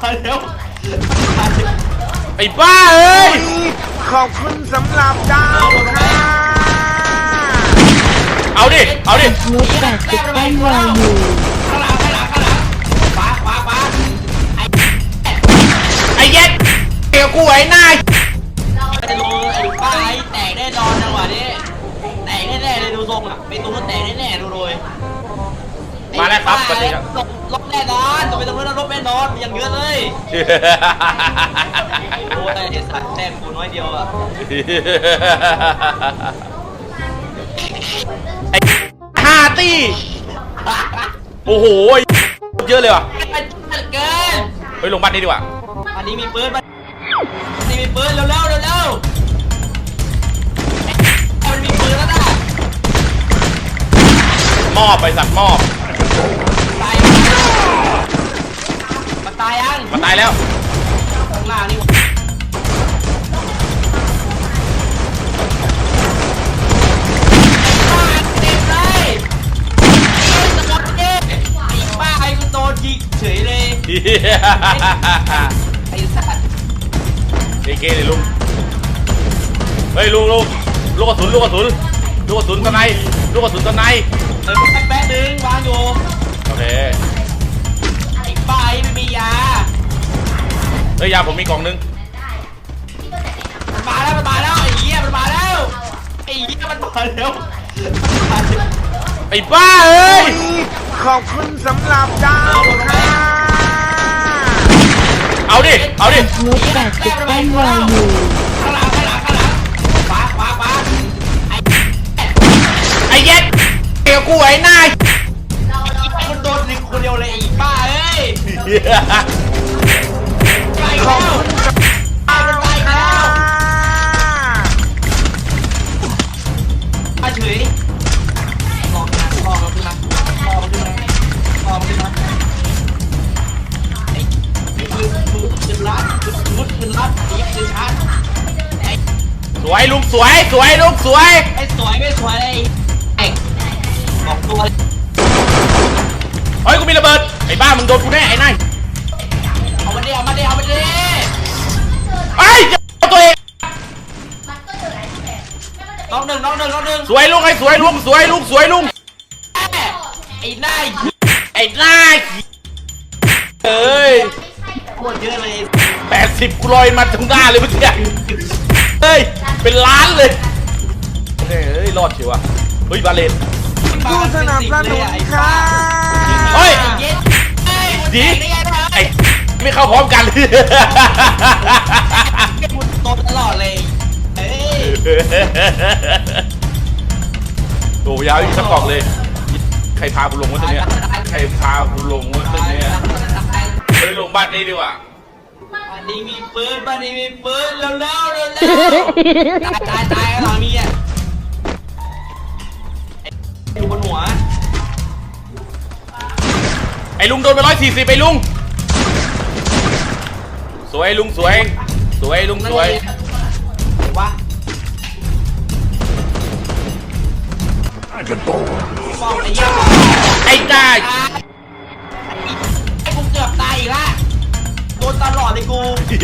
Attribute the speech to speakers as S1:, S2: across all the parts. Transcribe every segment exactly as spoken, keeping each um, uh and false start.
S1: มาเร็ว
S2: ไอ้บ้าเอ้ย
S3: ขอบคุณสำหรับดาวค่ะ
S2: เอาดิเอาดิ
S4: นุชแปดสิบแป้นรออยู่
S1: ข้างหลังข้างหลังข้างหลังขวาขวาขวา
S2: ไอ้เย็ดเกี่ยวกูไอ้นาย
S1: ไอ้ลูไอ้ป้าไอ้แตกแน่นอนจังหวะนี้แตกแน่ๆเลยดูทรงอ่ะเป็นตัวแตกแน่ๆดูโดย
S2: มาแล้วครับสวัสดีครับ
S1: ลบแน่นอนตัวเป็นตัวนั้นลบแน่นอนอย่างเยอะเลยโอ้ยไอ้สัตว์แต้มกูน้อยเดียวอ่ะ
S2: ไอ้ห้าตีโอ้โหเยอะเลยว่ะ
S1: เกิน
S2: เฮ้ยลงบ้านนี้ดีกว่า
S1: อันนี้มีปืนอันนี้มีปืนเร็วเร็วเร็วเร็วมันมีปืนแล้วนะ
S2: มอบไปสัตว์มอบ
S1: ตายมันตายยัง
S2: มันตายแล้ว
S1: ข้างล่างนี่เต็มเลยตะกอนเจ๊ไอ้ป้าไอ้กูโดนยิงเฉยเลยไอ้สัตว์
S2: เอเกเลยลุงเฮ้ยลุงลุงลูกกระสุนลูกกระสุนลูกกระสุนตะไนลูกกระสุนตะไน
S1: เออแป๊บนึงวางอยู่
S2: โอเค
S1: ไอ้ป้าไอ้ไม่มียา
S2: เฮ้ยยาผมมีกล่องนึง
S1: มันมาแล้วมันมาแล้วไอ้เหี้ยมันมาแล้วไอ้เหี้ยมันมาแล้ว
S2: ไอ้บ้าเอ้ย
S3: ขอบคุณสำหรับดาวค่ะ
S2: เอาดิเอาดิ
S4: นุชแปดสิบแป้นรออยู่
S1: ข้างหลังข้างหลังข้างหลังขวาขวาขวาไอ้
S2: ไอ้เย็ดเกี่ยวกูไอ้นาย
S1: คนโดนหนึ่งคนเดียวเลยไอ้ป้าเอ้ยไปแล้วตายมันไปแล้วมาเฉยลองนะลองมันขึ้นมาลองมันขึ้นมาลองมันขึ้นมาไอ้ปืนปืนปืนลัดปืนปืนลัดไอ้ปืนชาร์จ
S2: สวยลุงสวยสวยลุงสวย
S1: ไอ้สวยไม่สวยไอ้ไอ้ออกตัว
S2: เฮ้ยกูมีระเบิดไอ้บ้ามึงโดนกูแน่ไอ้นาย
S1: เอามาดิเอามาดิเอามาดิ
S2: ไอ้ตัวเอง
S1: น้องหนึ่งน้องหนึ่งน้องหนึ่ง
S2: สวยลุงไอ้สวยลุงสวยลุงสวยลุง
S1: ไอ้นาย
S2: ไอ้นายเอ้ย
S1: โคตรเยอะเลย
S2: แปดสิบกูลอยมาตรงหน้าเลยเมื่อกี้เฮ้ยเป็นล้านเลยเฮ้ยรอดเชียววะเฮ้ยบาเลน
S3: ผู้สนับสนุนค่ะ
S2: เฮ้ยดีไอ้ไม่เข้าพร้อมกัน
S1: โตตลอดเลยเฮ้ย
S2: โอ้ยาวอีกสักกล่องเลยใครพากูลงวะตัวเนี้ยใครพากูลงวะตัวเนี้ยเฮ้ยลงบ้านนี้ดีกว่า
S1: บ้านนี้มีปืนบ้านนี้มีปืนเร็วเร็วเร็วเร็วตายตายตายหลังมีอ่ะอยู่บนหัว
S2: ไอ้ลุงโดนไปร้อยสี่สิบไอ้ลุงสวยลุงสวยสวยลุงสวย
S1: ว้า
S2: ไอ้ตาย
S1: ไอ้กูเกือบตายอีกละโดนตลอดเลยกู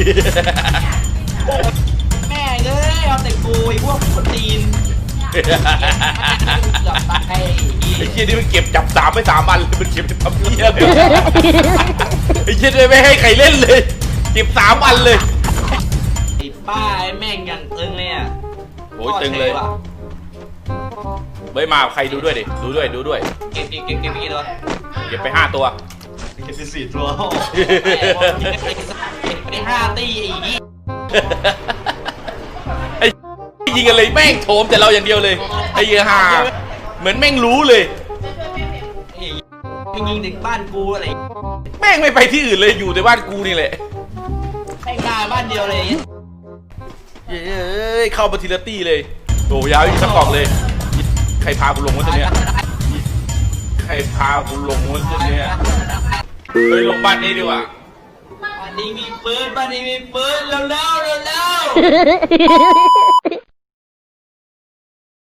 S1: แม่เอ้ยเอาแต่กูไอ้พวกคนตีน
S2: ไอ้เชี่ยนี่มันเก็บจับสามไปสามวันเลยมันเก็บไปทำเหี้ยเลยไอ้เชี่ยไม่ให้ใครเล่นเลยเก็บสามวันเลย
S1: ไอ้ป้าไอ้แม่งยังตึงเลยอ่ะ
S2: โอ้ยตึงเลยเฮ้ยมาใครดูด้วยดิดูด้วยดูด้วย
S1: เก็บเก็บเก็บเก็บกี่ตัว
S2: เก็บไปห้าตัว
S1: เก็บสี่ตัวเก็บไปห้าตี
S2: ไอ้ยิงกันเลยแม่งโถมแต่เราอย่างเดียวเลยไอ้เหี้ยฮาเหมือนแม่งรู้เลย
S1: ไอ้ยิงถึงบ้านกูอะไร
S2: แม่งไม่ไปที่อื่นเลยอยู่แต่บ้านกูนี่แหละ
S1: แม่งมาบ้านเดียวเลย
S2: เย้ยเข้ามาทีละตี้เลยโอ้ยาวอีกสักกล่องเลยใครพากูลงวะตัวเนี้ยใครพากูลงวะตัวเนี้ยเฮ้ยลงบ้านนี้ดีกว่า
S1: บ้านนี้มีปืนบ้านนี้มีปืนเร็วเร็วเร็วเร็ว